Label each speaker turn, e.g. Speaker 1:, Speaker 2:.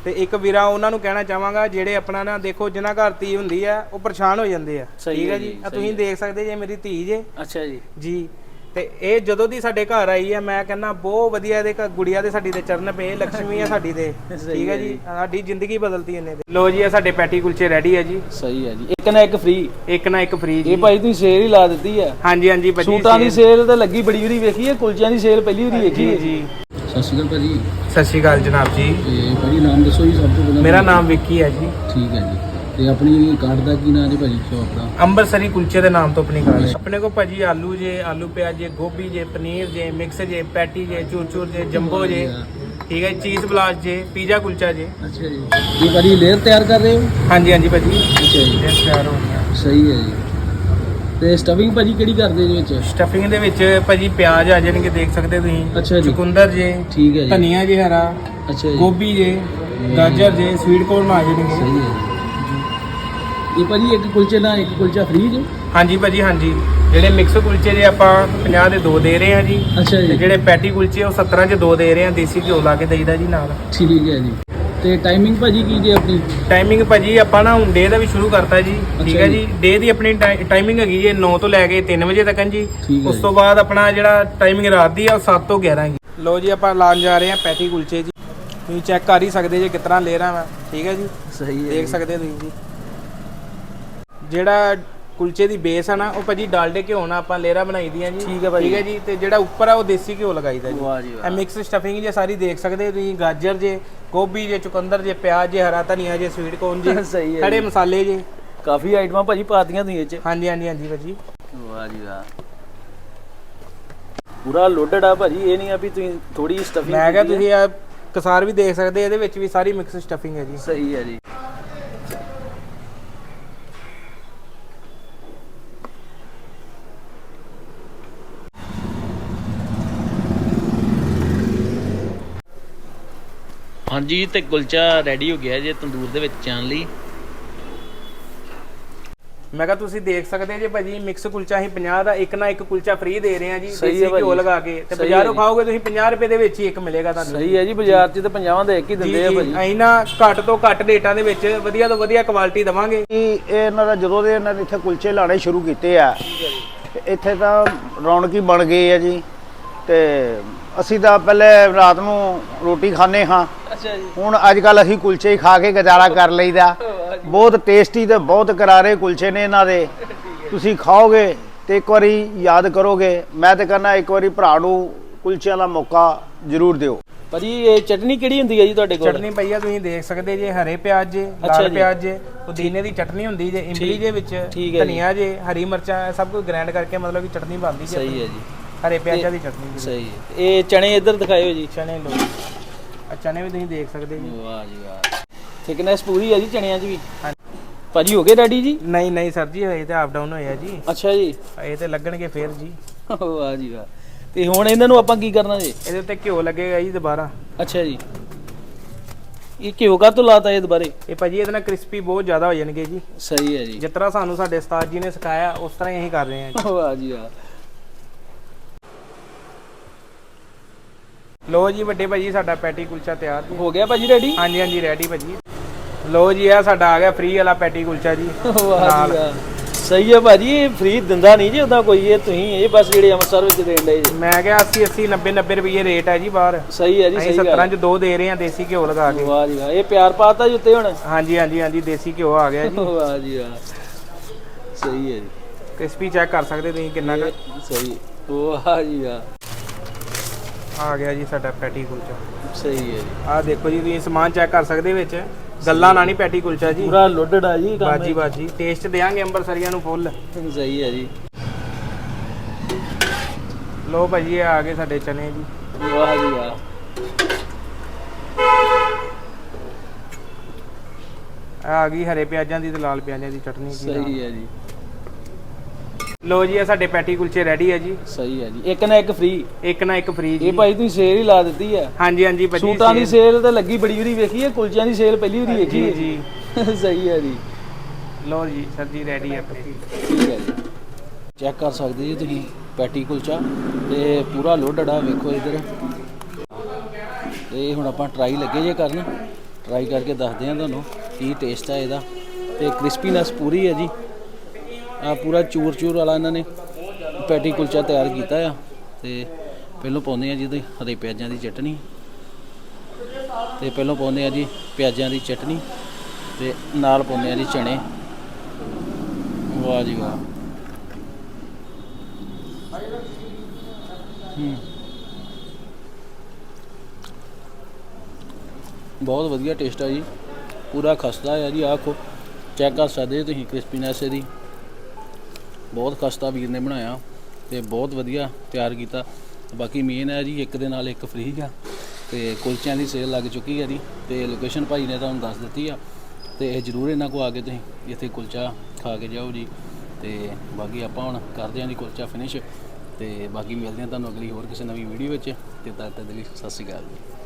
Speaker 1: ਤੇ ਇੱਕ ਵੀਰਾ ਉਹਨਾਂ ਨੂੰ ਕਹਿਣਾ ਚਾਹਾਂਗਾ ਜਿਹੜੇ ਆਪਣਾ ਨਾ ਦੇਖੋ ਜਿਨ੍ਹਾਂ ਘਰ ਧੀ ਹੁੰਦੀ ਆ ਉਹ ਪਰੇਸ਼ਾਨ ਹੋ ਜਾਂਦੇ ਆ। ਠੀਕ ਹੈ ਜੀ, ਆ ਤੁਸੀਂ ਦੇਖ ਸਕਦੇ ਜੇ ਮੇਰੀ ਧੀ ਜੇ।
Speaker 2: ਅੱਛਾ ਜੀ
Speaker 1: ਜੀ। ਤੇ ਇਹ ਜਦੋਂ ਦੀ ਸਾਡੇ ਘਰ ਆਈ ਆ ਮੈਂ ਕਹਿੰਦਾ ਬਹੁਤ ਵਧੀਆ ਇਹਦੇ ਗੁੜੀਆ ਦੇ ਸਾਡੀ ਦੇ ਚਰਨ ਪਏ, ਲక్ష్ਮੀ ਆ ਸਾਡੀ ਦੇ। ਠੀਕ ਹੈ ਜੀ, ਸਾਡੀ ਜ਼ਿੰਦਗੀ ਬਦਲਤੀ ਇਹਨੇ। ਲੋ ਜੀ ਆ ਸਾਡੇ ਪੈਟੀ ਕੁਲਚੇ ਰੈਡੀ ਹੈ ਜੀ।
Speaker 2: ਸਹੀ ਹੈ ਜੀ, ਇੱਕ ਨਾ ਇੱਕ ਫ੍ਰੀ।
Speaker 1: ਇੱਕ ਨਾ ਇੱਕ ਫ੍ਰੀ ਜੀ।
Speaker 2: ਇਹ ਭਾਈ ਤੁਸੀਂ ਸੇਲ ਹੀ ਲਾ ਦਿੱਤੀ ਆ।
Speaker 1: ਹਾਂਜੀ ਹਾਂਜੀ ਭਾਜੀ,
Speaker 2: ਸੂਟਾਂ ਦੀ ਸੇਲ ਤਾਂ ਲੱਗੀ ਬੜੀ ਵਾਰੀ ਵੇਖੀ ਹੈ, ਕੁਲਚਿਆਂ ਦੀ ਸੇਲ ਪਹਿਲੀ ਵਾਰੀ ਵੇਖੀ ਹੈ
Speaker 1: ਜੀ।
Speaker 2: ਸਤਿ ਸ਼੍ਰੀ ਅਕਾਲ ਭਾਜੀ।
Speaker 1: ਸਤਿ ਸ਼੍ਰੀ ਅਕਾਲ ਜਨਾਬ ਜੀ।
Speaker 2: ਤੇ ਭਾਜੀ ਨਾਮ ਦੱਸੋ ਜੀ ਸਭ ਤੋਂ ਪਹਿਲਾਂ।
Speaker 1: ਮੇਰਾ ਨਾਮ ਵਿੱਕੀ ਹੈ ਜੀ।
Speaker 2: ਠੀਕ ਹੈ ਜੀ। ਤੇ ਆਪਣੀ ਕਾਰਡ ਦਾ ਕੀ ਨਾਮ ਹੈ ਭਾਜੀ ਸ਼ੌਪ ਦਾ?
Speaker 1: ਅੰਮ੍ਰਿਤਸਰੀ ਕੁਲਚੇ ਦੇ ਨਾਮ ਤੋਂ ਆਪਣੀ ਕਾਰਡ ਹੈ। ਆਪਣੇ ਕੋ ਭਾਜੀ ਆਲੂ ਜੇ, ਆਲੂ ਪਿਆਜ਼ ਜੇ, ਗੋਭੀ ਜੇ, ਪਨੀਰ ਜੇ, ਮਿਕਸ ਜੇ, ਪੈਟੀ ਜੇ, ਚੂਰ ਜੇ, ਜੰਬੋ ਜੇ। ਠੀਕ ਹੈ, ਚੀਜ਼ ਬਲਾਸਟ ਜੇ, ਪੀਜ਼ਾ ਕੁਲਚਾ ਜੇ।
Speaker 2: ਅੱਛਾ ਜੀ। ਇਹ ਭਾਜੀ ਲੇਅਰ ਤਿਆਰ ਕਰ ਰਹੇ ਹੋ?
Speaker 1: ਹਾਂਜੀ ਹਾਂਜੀ ਭਾਜੀ।
Speaker 2: ਅੱਛਾ ਜੀ,
Speaker 1: ਲੇਅਰ ਤਿਆਰ ਹੋ ਗਿਆ।
Speaker 2: ਸਹੀ ਹੈ ਜੀ। ਤੇ ਸਟਫਿੰਗ ਭਾਜੀ ਕਿਹੜੀ ਕਰਦੇ ਇਹਦੇ ਵਿੱਚ?
Speaker 1: ਸਟਫਿੰਗ ਦੇ ਵਿੱਚ ਭਾਜੀ ਪਿਆਜ਼ ਆ ਜਾਣਗੇ, ਦੇਖ ਸਕਦੇ ਤੁਸੀਂ।
Speaker 2: ਅੱਛਾ ਜੀ।
Speaker 1: ਚੁਕੰਦਰ ਜੇ।
Speaker 2: ਠੀਕ ਹੈ ਜੀ।
Speaker 1: ਧਨੀਆ ਜੇ ਹਰਾ।
Speaker 2: ਅੱਛਾ ਜੀ।
Speaker 1: ਗੋਭੀ ਜੇ, ਗਾਜਰ ਜੇ, ਸਵੀਟ ਕੋਰਨ ਆ ਜਾਣਗੇ।
Speaker 2: ਸਹੀ ਹੈ ਜੀ। ਇਹ ਭਾਜੀ ਇੱਕ ਕੁਲਚੇ ਨਾਲ ਇੱਕ ਕੁਲਚਾ ਫ੍ਰੀ ਜੀ?
Speaker 1: ਹਾਂਜੀ ਭਾਜੀ ਹਾਂਜੀ। ਜਿਹੜੇ ਮਿਕਸ ਕੁਲਚੇ ਜੇ ਆਪਾਂ 50 ਦੇ 2 ਦੇ ਰਹੇ ਹਾਂ ਜੀ।
Speaker 2: ਅੱਛਾ ਜੀ।
Speaker 1: ਤੇ ਜਿਹੜੇ ਪੈਟੀ ਕੁਲਚੇ ਉਹ 17 ਚ 2 ਦੇ ਰਹੇ ਹਾਂ, ਦੇਸੀ ਘਿਓ ਲਾ ਕੇ ਦੇਈਦਾ ਜੀ ਨਾਲ।
Speaker 2: ਠੀਕ ਹੈ ਜੀ। ਤੇ ਟਾਈਮਿੰਗ ਭਾਜੀ ਕੀ ਜੀ ਆਪਣੀ?
Speaker 1: ਟਾਈਮਿੰਗ ਭਾਜੀ ਆਪਾਂ ਨਾ ਹੁਣ ਡੇ ਦਾ ਵੀ ਸ਼ੁਰੂ ਕਰਤਾ ਜੀ। ਠੀਕ ਹੈ ਜੀ। ਡੇ ਦੀ ਆਪਣੀ ਟਾਈਮਿੰਗ ਹੈਗੀ ਜੀ 9 ਤੋਂ ਲੈ ਕੇ 3 ਵਜੇ ਤੱਕ ਜੀ। ਉਸ ਤੋਂ ਬਾਅਦ ਆਪਣਾ ਜਿਹੜਾ ਟਾਈਮਿੰਗ ਰਾਤ ਦੀ ਆ ਉਹ 7 ਤੋਂ 11 ਜੀ। ਲੋ ਜੀ ਆਪਾਂ ਲਾਉਣ ਜਾ ਰਹੇ ਹਾਂ ਪੈਟੀ ਕੁਲਚੇ ਜੀ। ਤੁਸੀਂ ਚੈੱਕ ਕਰ ਹੀ ਸਕਦੇ ਜੇ ਕਿਤਨਾ ਲੈ ਰਹਾ ਮੈਂ। ਠੀਕ ਹੈ ਜੀ,
Speaker 2: ਸਹੀ ਹੈ,
Speaker 1: ਦੇਖ ਸਕਦੇ ਤੁਸੀਂ ਜੀ। ਜਿਹੜਾ ਕੁਲਚੇ ਦੀ ਬੇਸ ਆ ਨਾ ਉਹ ਭਾਜੀ ਡਾਲਡੇ ਘਿਓ ਨਾਲ ਆਪਾਂ ਲੇਅਰਾਂ ਬਣਾਈ ਦੀਆਂ ਜੀ। ਠੀਕ ਹੈ ਭਾਜੀ। ਠੀਕ ਹੈ ਜੀ। ਤੇ ਜਿਹੜਾ ਉੱਪਰ ਆ ਉਹ ਦੇਸੀ ਘਿਓ ਲਗਾਈਦਾ ਜੀ।
Speaker 2: ਵਾਹ ਜੀ ਵਾਹ।
Speaker 1: ਇਹ ਮਿਕਸ ਸਟਫਿੰਗ ਜੇ ਸਾਰੀ ਦੇਖ ਸਕਦੇ ਤੁਸੀਂ। ਗਾਜਰ ਜੇ, ਗੋਭੀ ਜੇ, ਚੁਕੰਦਰ ਜੇ, ਪਿਆਜ਼ ਜੇ, ਹਰਾ ਧਨੀਆ ਜੇ, ਸਵੀਟ ਕੋਰਨ ਜੇ,
Speaker 2: ਸਹੀ ਹੈ,
Speaker 1: ਖੜੇ ਮਸਾਲੇ ਜੇ।
Speaker 2: ਕਾਫੀ ਆਈਟਮਾਂ ਭਾਜੀ ਪਾਤੀਆਂ ਤੁਸੀਂ ਇਹ ਚ।
Speaker 1: ਹਾਂਜੀ ਹਾਂਜੀ ਹਾਂਜੀ ਭਾਜੀ।
Speaker 2: ਵਾਹ ਜੀ ਵਾਹ, ਪੂਰਾ ਲੋਡਡ ਆ ਭਾਜੀ। ਇਹ ਨਹੀਂ ਆ ਵੀ ਤੁਸੀਂ ਥੋੜੀ ਸਟਫਿੰਗ।
Speaker 1: ਮੈਂ ਕਿਹਾ ਤੁਸੀਂ ਆ ਕਸਾਰ ਵੀ ਦੇਖ ਸਕਦੇ, ਇਹਦੇ ਵਿੱਚ ਵੀ ਸਾਰੀ ਮਿਕਸ ਸਟਫਿੰਗ ਹੈ ਜੀ।
Speaker 2: ਸਹੀ ਹੈ ਜੀ। ਹਾਂਜੀ, ਤੇ ਕੁਲਚਾ ਰੈਡੀ ਹੋ ਗਿਆ ਜੇ ਤੰਦੂਰ ਦੇ ਵਿੱਚ ਚਾਣ ਲਈ।
Speaker 1: ਮੈਂ ਕਿਹਾ ਤੁਸੀਂ ਦੇਖ ਸਕਦੇ ਜੇ ਭਾਜੀ ਮਿਕਸ ਕੁਲਚਾ ਹੀ 50 ਦਾ ਇੱਕ ਨਾ ਇੱਕ ਕੁਲਚਾ ਫ੍ਰੀ ਦੇ ਰਹੇ ਆ ਜੀ।
Speaker 2: ਸਹੀ
Speaker 1: ਦੇਸੀ
Speaker 2: ਹੈ
Speaker 1: ਘਿਓ ਲਗਾ ਕੇ। ਤੇ ਬਾਜ਼ਾਰੋਂ ਖਾਓਗੇ ਤੁਸੀਂ 50 ਰੁਪਏ ਦੇ ਵਿੱਚ ਹੀ ਇੱਕ ਮਿਲੇਗਾ ਤੁਹਾਨੂੰ।
Speaker 2: ਸਹੀ ਹੈ ਜੀ, ਬਾਜ਼ਾਰ 'ਚ ਤਾਂ 50 ਦਾ ਇੱਕ ਹੀ ਦਿੰਦੇ ਆ ਭਾਜੀ।
Speaker 1: ਅਸੀਂ ਨਾ ਘੱਟ ਤੋਂ ਘੱਟ ਰੇਟਾਂ ਦੇ ਵਿੱਚ ਵਧੀਆ ਤੋਂ ਵਧੀਆ ਕੁਆਲਿਟੀ ਦਵਾਂਗੇ।
Speaker 3: ਇਹ ਇਹਨਾਂ ਦਾ ਜਦੋਂ ਦੇ ਇਹਨਾਂ ਨੇ ਇੱਥੇ ਕੁਲਚੇ ਲਾਣੇ ਸ਼ੁਰੂ ਕੀਤੇ ਆ, ਇੱਥੇ ਤਾਂ ਰੌਣਕ ਹੀ ਬਣ ਗਈ ਆ ਜੀ। ਤੇ ਅਸੀਂ ਤਾਂ ਪਹਿਲੇ ਰਾਤ ਨੂੰ ਰੋਟੀ ਖਾਂਦੇ ਹਾਂ।
Speaker 2: ਅੱਛਾ ਜੀ।
Speaker 3: ਹੁਣ ਅੱਜ ਕੱਲ ਅਸੀਂ ਕੁਲਚੇ ਹੀ ਖਾ ਕੇ ਗੁਜ਼ਾਰਾ ਕਰ ਲਈਦਾ। ਬਹੁਤ ਟੇਸਟੀ ਤੇ ਬਹੁਤ ਕਰਾਰੇ ਕੁਲਚੇ ਨੇ ਇਹਨਾਂ ਦੇ। ਤੁਸੀਂ ਖਾਓਗੇ ਤੇ ਇੱਕ ਵਾਰੀ ਯਾਦ ਕਰੋਗੇ। ਮੈਂ ਤੇ ਕਹਿੰਦਾ ਇੱਕ ਵਾਰੀ ਭਰਾ ਨੂੰ ਕੁਲਚਿਆਂ ਦਾ ਮੌਕਾ ਜ਼ਰੂਰ ਦਿਓ।
Speaker 2: ਭਾਜੀ ਇਹ ਚਟਨੀ ਕਿਹੜੀ ਹੁੰਦੀ ਹੈ ਜੀ ਤੁਹਾਡੇ ਕੋਲ?
Speaker 1: ਚਟਨੀ ਭਈਆ ਤੁਸੀਂ ਦੇਖ ਸਕਦੇ ਜੇ ਹਰੇ ਪਿਆਜ਼ ਜੇ, ਲਾਲ ਪਿਆਜ਼ ਜੇ, ਪੁਦੀਨੇ ਦੀ ਚਟਨੀ ਹੁੰਦੀ ਜੇ, ਇਮਲੀ ਦੇ ਵਿੱਚ, ਧਨੀਆ ਜੇ, ਹਰੀ ਮਿਰਚਾਂ, ਸਭ ਕੁਝ ਗ੍ਰਾਈਂਡ ਕਰਕੇ ਮਤਲਬ ਕਿ ਚਟਨੀ ਬਣਦੀ ਜੇ।
Speaker 2: ਸਹੀ ਹੈ ਜੀ।
Speaker 1: ਹਰੇ ਪਿਆਜ਼ਾਂ ਦੀ ਚਟਨੀ।
Speaker 2: ਸਹੀ ਹੈ। ਇਹ ਚਣੇ ਇੱਧਰ ਦਿਖਾਇਓ ਜੀ।
Speaker 1: ਚਨੇ ਲੋ, ਆ ਚਨੇ ਵੀ ਤੁਸੀਂ ਦੇਖ ਸਕਦੇ ਜੀ।
Speaker 2: ਵਾਹ ਜੀ ਵਾਹ, ਥਿਕਨੈਸ ਪੂਰੀ ਹੈ ਜੀ ਚਣਿਆਂ 'ਚ ਵੀ।
Speaker 1: ਹਾਂਜੀ
Speaker 2: ਭਾਜੀ ਹੋ ਗਏ ਰੈਡੀ ਜੀ?
Speaker 1: ਨਹੀਂ ਨਹੀਂ ਸਰ ਜੀ, ਹਜੇ ਤਾਂ ਆਪ ਡਾਊਨ ਹੋਇਆ ਜੀ।
Speaker 2: ਅੱਛਾ ਜੀ।
Speaker 1: ਇਹ ਤੇ ਲੱਗਣਗੇ ਫੇਰ ਜੀ।
Speaker 2: ਵਾਹ ਜੀ ਵਾਹ। ਤੇ ਹੁਣ ਇਹਨਾਂ ਨੂੰ ਆਪਾਂ ਕੀ ਕਰਨਾ ਜੀ?
Speaker 1: ਇਹਦੇ ਉੱਤੇ ਘਿਓ ਲੱਗੇਗਾ ਜੀ ਦੁਬਾਰਾ।
Speaker 2: ਅੱਛਾ ਜੀ। ਇਹ ਘਿਓ ਕਾ ਤੋਂ ਲਾਤਾ ਇਹ ਦੁਬਾਰੇ?
Speaker 1: ਇਹ ਭਾਜੀ ਇਹਦੇ ਨਾਲ ਕ੍ਰਿਸਪੀ ਬਹੁਤ ਜ਼ਿਆਦਾ ਹੋ ਜਾਣਗੇ ਜੀ।
Speaker 2: ਸਹੀ ਹੈ ਜੀ।
Speaker 1: ਜਿਸ ਤਰ੍ਹਾਂ ਸਾਨੂੰ ਸਾਡੇ ਉਸਤਾਦ ਜੀ ਨੇ ਸਿਖਾਇਆ ਉਸ ਤਰ੍ਹਾਂ ਹੀ ਅਸੀਂ ਕਰ ਰਹੇ ਹਾਂ ਜੀ।
Speaker 2: ਵਾਹ ਜੀ ਵਾਹ।
Speaker 1: ਲੋ ਜੀ ਵੱਡੇ ਭਾਜੀ ਸਾਡਾ ਪੈਟੀ ਕੁਲਚਾ ਤਿਆਰ ਜੀ।
Speaker 2: ਹੋ ਗਿਆ ਭਾਜੀ ਰੈਡੀ?
Speaker 1: ਹਾਂਜੀ ਹਾਂਜੀ ਰੈਡੀ ਭਾਜੀ। ਲੋ ਜੀ ਆ ਸਾਡਾ ਆ ਗਿਆ ਫ੍ਰੀ ਵਾਲਾ ਪੈਟੀ ਕੁਲਚਾ ਜੀ।
Speaker 2: ਵਾਹ ਜੀ ਵਾਹ, ਸਹੀ ਹੈ ਭਾਜੀ। ਇਹ ਫ੍ਰੀ ਦਿੰਦਾ ਨਹੀਂ ਜੀ ਉਦਾਂ ਕੋਈ। ਇਹ ਤੁਸੀਂ ਇਹ ਬਸ ਜਿਹੜੇ ਅੰਮ੍ਰਿਤਸਰ ਵਿੱਚ ਦੇਣ ਲਏ ਜੀ।
Speaker 1: ਮੈਂ ਕਿਹਾ 80 80 90 90 ਰੁਪਏ ਰੇਟ ਹੈ ਜੀ ਬਾਹਰ।
Speaker 2: ਸਹੀ ਹੈ ਜੀ।
Speaker 1: ਅਸੀਂ 17 ਚ 2 ਦੇ ਰਹੇ ਹਾਂ ਦੇਸੀ ਘਿਓ ਲਗਾ ਕੇ।
Speaker 2: ਵਾਹ ਜੀ ਵਾਹ, ਇਹ ਪਿਆਰ ਪਾਤਾ ਜੀ ਉੱਤੇ ਹੁਣ।
Speaker 1: ਹਾਂਜੀ ਹਾਂਜੀ ਹਾਂਜੀ ਦੇਸੀ ਘਿਓ ਆ ਗਿਆ ਜੀ।
Speaker 2: ਵਾਹ ਜੀ ਵਾਹ, ਸਹੀ ਹੈ ਜੀ।
Speaker 1: ਕ੍ਰਿਸਪੀ ਚੈੱਕ ਕਰ ਸਕਦੇ ਤੁਸੀਂ ਕਿੰਨਾ ਕੁ
Speaker 2: ਸਹੀ। ਵਾਹ ਜੀ ਵਾਹ,
Speaker 1: ਆ ਗਿਆ ਜੀ ਸਾਡਾ ਪੈਟੀ ਕੁਲਚਾ।
Speaker 2: ਸਹੀ ਹੈ ਜੀ।
Speaker 1: ਆਹ ਦੇਖੋ ਜੀ ਤੁਸੀਂ ਸਮਾਨ ਚੈੱਕ ਕਰ ਸਕਦੇ ਵਿੱਚ। ਗੱਲਾਂ ਨਾਲ ਨਹੀਂ ਪੈਟੀ ਕੁਲਚਾ ਜੀ।
Speaker 2: ਪੂਰਾ ਲੋਡਡ ਆ ਜੀ ਕੰਮ।
Speaker 1: ਬਾਜੀ ਬਾਜੀ ਟੇਸਟ ਦੇਾਂਗੇ ਅੰਬਰਸਰੀਆਂ ਨੂੰ ਫੁੱਲ।
Speaker 2: ਸਹੀ ਹੈ ਜੀ।
Speaker 1: ਲੋ ਭਾਜੀ ਇਹ ਆ ਗਏ ਸਾਡੇ ਚਨੇ ਜੀ।
Speaker 2: ਵਾਹ ਜੀ ਵਾਹ,
Speaker 1: ਆ ਗਈ ਹਰੇ ਪਿਆਜ਼ਾਂ ਦੀ ਤੇ ਲਾਲ ਪਿਆਜ਼ਾਂ ਦੀ ਚਟਨੀ ਜੀ।
Speaker 2: ਸਹੀ ਹੈ ਜੀ।
Speaker 1: ਲੋ ਜੀ ਇਹ ਸਾਡੇ ਪੈਟੀ ਕੁਲਚੇ ਰੈਡੀ ਹੈ ਜੀ।
Speaker 2: ਸਹੀ ਹੈ ਜੀ। ਇੱਕ ਨਾ ਇੱਕ ਫ੍ਰੀ।
Speaker 1: ਇੱਕ ਨਾ ਇੱਕ ਫ੍ਰੀ ਜੀ।
Speaker 2: ਇਹ ਭਾਈ ਤੁਸੀਂ ਸੇਲ ਹੀ ਲਾ ਦਿੱਤੀ ਹੈ।
Speaker 1: ਹਾਂਜੀ ਹਾਂਜੀ ਭਾਜੀ।
Speaker 2: ਸੂਟਾਂ ਦੀ ਸੇਲ ਤਾਂ ਲੱਗੀ ਬੜੀ ਵਾਰੀ ਵੇਖੀ ਹੈ, ਕੁਲਚਿਆਂ ਦੀ ਸੇਲ ਪਹਿਲੀ ਵਾਰੀ ਵੇਖੀ ਹੈ
Speaker 1: ਜੀ।
Speaker 2: ਸਹੀ ਹੈ ਜੀ।
Speaker 1: ਲੋ ਜੀ ਸਰ ਜੀ ਰੈਡੀ ਹੈ ਆਪਣੀ।
Speaker 2: ਠੀਕ ਹੈ ਜੀ। ਚੈੱਕ ਕਰ ਸਕਦੇ ਜੀ ਤੁਸੀਂ ਪੈਟੀ ਕੁਲਚਾ ਤੇ ਪੂਰਾ ਲੋਡਡ ਆ। ਵੇਖੋ ਇੱਧਰ। ਤੇ ਹੁਣ ਆਪਾਂ ਟਰਾਈ ਲੱਗੇ ਜੇ ਕਰਨ। ਟਰਾਈ ਕਰਕੇ ਦੱਸਦੇ ਹਾਂ ਤੁਹਾਨੂੰ ਕੀ ਟੇਸਟ ਆ ਇਹਦਾ। ਤੇ ਕ੍ਰਿਸਪੀਨੈਸ ਪੂਰੀ ਹੈ ਜੀ। ਆ ਪੂਰਾ ਚੂਰ ਚੂਰ ਵਾਲਾ ਇਹਨਾਂ ਨੇ ਪੈਟੀ ਕੁਲਚਾ ਤਿਆਰ ਕੀਤਾ ਆ। ਤੇ ਪਹਿਲੋਂ ਪਾਉਂਦੇ ਆ ਜੀ ਇਹਦੇ ਹਰੇ ਪਿਆਜ਼ਾਂ ਦੀ ਚਟਨੀ, ਤੇ ਪਹਿਲੋਂ ਪਾਉਂਦੇ ਆ ਜੀ ਪਿਆਜ਼ਾਂ ਦੀ ਚਟਨੀ, ਤੇ ਨਾਲ ਪਾਉਂਦੇ ਆ ਜੀ ਚਣੇ। ਵਾਹ ਜੀ ਵਾਹ। ਬਹੁਤ ਵਧੀਆ ਟੇਸਟ ਆ ਜੀ, ਪੂਰਾ ਖਸਤਾ ਆ ਜੀ। ਆਖੋ ਚੈੱਕ ਕਰ ਸਕਦੇ ਹੋ ਤੁਸੀਂ ਕ੍ਰਿਸਪੀਨੈਸ ਇਹਦੀ, ਬਹੁਤ ਖਸਤਾ ਵੀਰ ਨੇ ਬਣਾਇਆ ਤੇ ਬਹੁਤ ਵਧੀਆ ਤਿਆਰ ਕੀਤਾ। ਬਾਕੀ ਮੇਨ ਹੈ ਜੀ ਇੱਕ ਦੇ ਨਾਲ ਇੱਕ ਫ੍ਰੀ ਆ, ਤੇ ਕੁਲਚਿਆਂ ਦੀ ਸੇਲ ਲੱਗ ਚੁੱਕੀ ਹੈ ਜੀ। ਤੇ ਲੋਕੇਸ਼ਨ ਭਾਈ ਨੇ ਤੁਹਾਨੂੰ ਦੱਸ ਦਿੱਤੀ ਆ, ਤੇ ਇਹ ਜ਼ਰੂਰ ਇਹਨਾਂ ਕੋਲ ਆ ਕੇ ਤੁਸੀਂ ਇੱਥੇ ਕੁਲਚਾ ਖਾ ਕੇ ਜਾਓ ਜੀ। ਤੇ ਬਾਕੀ ਆਪਾਂ ਹੁਣ ਕਰਦੇ ਹਾਂ ਜੀ ਕੁਲਚਾ ਫਿਨਿਸ਼, ਤੇ ਬਾਕੀ ਮਿਲਦੇ ਹਾਂ ਤੁਹਾਨੂੰ ਅਗਲੀ ਹੋਰ ਕਿਸੇ ਨਵੀਂ ਵੀਡੀਓ ਵਿੱਚ। ਤੇ ਤਦ ਤੱਕ ਲਈ ਸਤਿ ਸ਼੍ਰੀ ਅਕਾਲ ਜੀ।